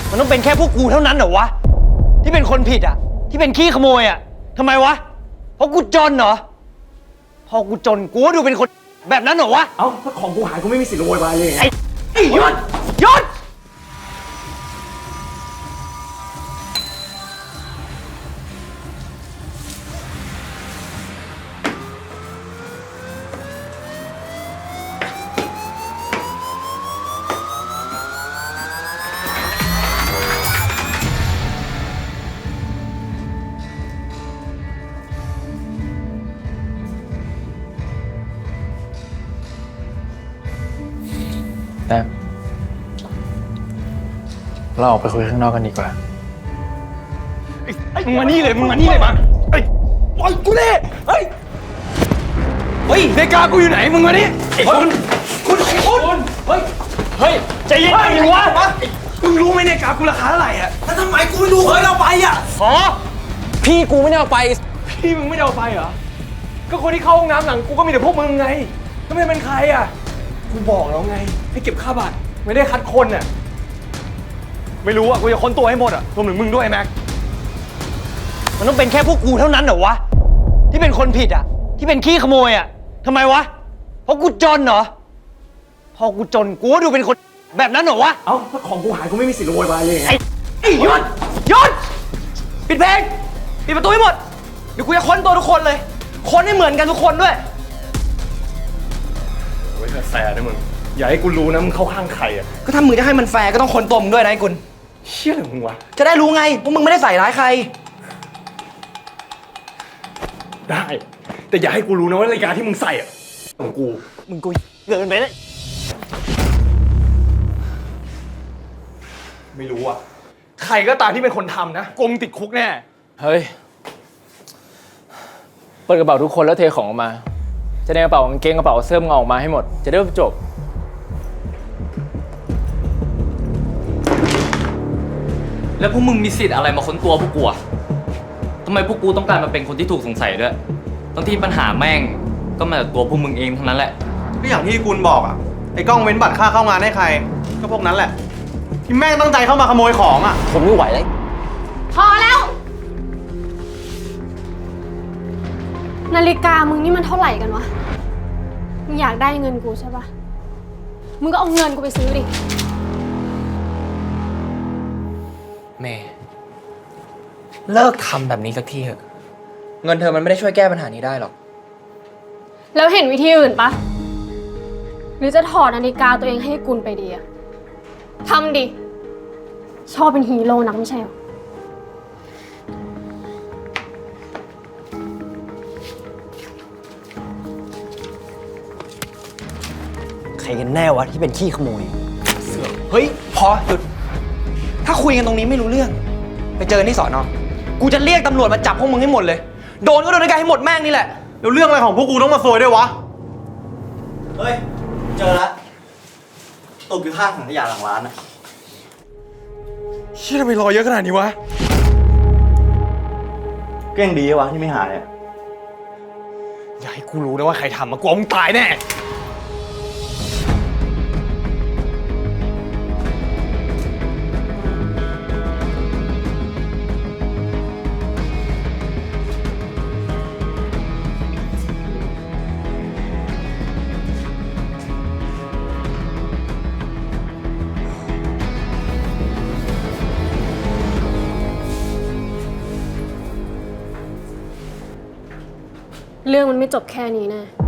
มันต้องเป็นแค่พวกกูเท่านั้นเหรอวะที่เป็นคนผิดอ่ะที่เป็นขี้ขโมยอ่ะทำไมวะเพราะกูจนเหรอพอกูจนกูก็ดูเป็นคนแบบนั้นเหรอวะเอ้าถ้าของกูหายกูไม่มีสิทธิ์โวยวายเลยไงไอ้หยุดหยุดแต่เราออกไปคุยข้างนอกกันดีกว่ามึงมานี่เลยมาไอ้ปล่อยกูดิเฮ้ยนาฬิกากูอยู่ไหนมึงมานี่คุณเฮ้ยใจเย็นดิวะมึงรู้ไหมนาฬิกากูราคาเท่าไหร่อ่ะแล้วทำไมกูไม่รู้เฮ้ยเอาไปอ่ะพี่กูไม่ได้เอาไปพี่มึงไม่ได้เอาไปเหรอก็คนที่เข้าห้องน้ำหลังกูก็มีแต่พวกมึงไงก็ไม่เป็นใครอ่ะกูบอกแล้วไงให้เก็บค่าบัตรไม่ได้คัดคนน่ะไม่รู้อ่ะกูจะค้นตัวให้หมดอ่ะรวมถึงมึงด้วยแม็กมันต้องเป็นแค่พวกกูเท่านั้นเหรอวะที่เป็นคนผิดอ่ะที่เป็นขี้ขโมยอ่ะทำไมวะเพราะกูจนเหรอพอกูจนกูก็ดูเป็นคนแบบนั้นเหรอวะเอ้าถ้าของกูหายกูไม่มีสิทธิ์โวยวายเลยไงไอ้หยุดปิดเพลงปิดประตูให้หมดเดี๋ยวกูจะค้นตัวทุกคนเลยค้นให้เหมือนกันทุกคนด้วยโอ้ยแสบนะมึงอย่าให้กูรู้นะมึงเข้าข้างใครอ่ะก็ถ้ามึงจะให้มันแฟร์ก็ต้องค้นตัวมึงด้วยนะไอ้กุลเชี่ยอะไรของมึงวะจะได้รู้ไงว่ามึงไม่ได้ใส่ร้ายใครได้แต่อย่าให้กูรู้นะว่านาฬิกาที่มึงใส่อ่ะของกูมึงกูเกินไปเลยไม่รู้อ่ะใครก็ตามที่เป็นคนทำนะกงติดคุกแน่เฮ้ยเปิดกระเป๋าทุกคนแล้วเทของออกมาจะในกระเป๋ากางเกงกระเป๋าเสื้อมึงออกมาให้หมดจะได้จบแล้วพวกมึงมีสิทธิ์อะไรมาค้นตัวพวกกูอะทำไมพวกกูต้องการมาเป็นคนที่ถูกสงสัยด้วยทั้งที่ปัญหาแม่งก็มาจากตัวพวกมึงเองทั้งนั้นแหละก็อย่างที่คุณบอกอ่ะไอ้กล้องเว้นบัตรค่าเข้างานให้ใครก็พวกนั้นแหละที่แม่งตั้งใจเข้ามาขโมยของอ่ะผมไม่ไหวเลยพอแล้วนาฬิกามึงนี่มันเท่าไหร่กันวะมึงอยากได้เงินกูใช่ปะมึงก็เอาเงินกูไปซื้อดิแม่เลิกทำแบบนี้สักทีเถอะเงินเธอมันไม่ได้ช่วยแก้ปัญหานี้ได้หรอกแล้วเห็นวิธีอื่นปะหรือจะถอดนาฬิกาตัวเองให้กุลไปดีอะทำดิชอบเป็นฮีโร่นักไม่ใช่หรอใครกันแน่วะที่เป็นขี้ขโมยเฮ้ยพอหยุดถ้าคุยกันตรงนี้ไม่รู้เรื่องไปเจอที่สอนอกูจะเรียกตำรวจมาจับพวกมึงให้หมดเลยโดนก็โดนด้วยกันให้หมดแม่งนี่แหละแล้วเรื่องอะไรของพวกกูต้องมาซวยด้วยวะเฮ้ยเจอแล้วตกอยู่ข้างถังขยะหลังร้านอ่ะเชี่ยทำไมรอเยอะขนาดนี้วะเก่งดีวะที่ไม่หายอ่ะอย่าให้กูรู้นะว่าใครทำมากูเอามึงตายแน่เรื่องมันไม่จบแค่นี้แน่